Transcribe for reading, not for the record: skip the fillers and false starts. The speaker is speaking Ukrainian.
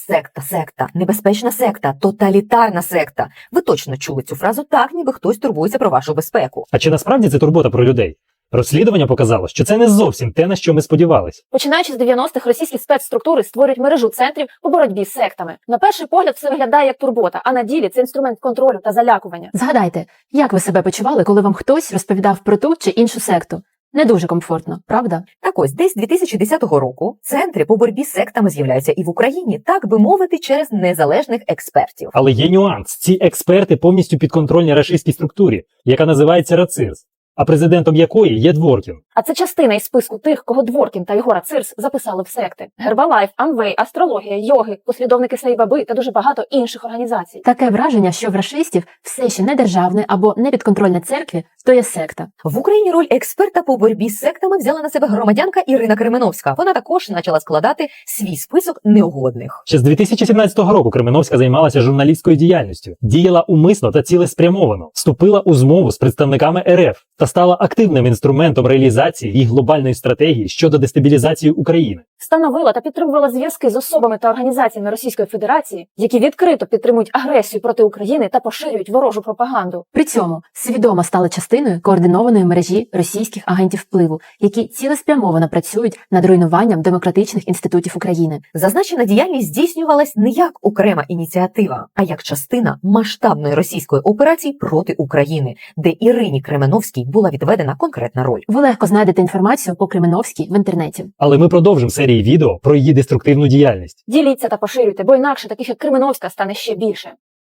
Секта, небезпечна секта, тоталітарна секта. Ви точно чули цю фразу так, ніби хтось турбується про вашу безпеку. А чи насправді це турбота про людей? Розслідування показало, що це не зовсім те, на що ми сподівалися. Починаючи з 90-х, російські спецструктури створюють мережу центрів по боротьбі з сектами. На перший погляд все виглядає як турбота, а на ділі це інструмент контролю та залякування. Згадайте, як ви себе почували, коли вам хтось розповідав про ту чи іншу секту? Не дуже комфортно, правда? Так ось, десь 2010 року центри по боротьбі з сектами з'являються і в Україні, так би мовити, через незалежних експертів. Але є нюанс. Ці експерти повністю підконтрольні рашистській структурі, яка називається РАЦИРС, а президентом якої є Дворкін. А це частина із списку тих, кого Дворкін та його РАЦИРС записали в секти. Гербалайф, Амвей, Астрологія, йоги, послідовники Сайбаби та дуже багато інших організацій. Таке враження, що в рашистів все ще не державне або не підконтрольне церкві, то є секта. В Україні роль експерта по боротьбі з сектами взяла на себе громадянка Ірина Кременовська. Вона також почала складати свій список неугодних. Ще з 2017 року Кременовська займалася журналістською діяльністю, діяла умисно та цілеспрямовано, вступила у змову з представниками РФ та стала активним інструментом реалізації їх глобальної стратегії щодо дестабілізації України. Встановила та підтримувала зв'язки з особами та організаціями Російської Федерації, які відкрито підтримують агресію проти України та поширюють ворожу пропаганду. При цьому свідомо стала частиною координованої мережі російських агентів впливу, які цілеспрямовано працюють над руйнуванням демократичних інститутів України. Зазначена діяльність здійснювалась не як окрема ініціатива, а як частина масштабної російської операції проти України, де Ірині Кременовській була відведена конкретна роль. Ви легко знайдете інформацію по Кременовській в інтернеті. Але ми продовжимо серії відео про її деструктивну діяльність. Діліться та поширюйте, бо інакше таких як Кременовська стане ще більше.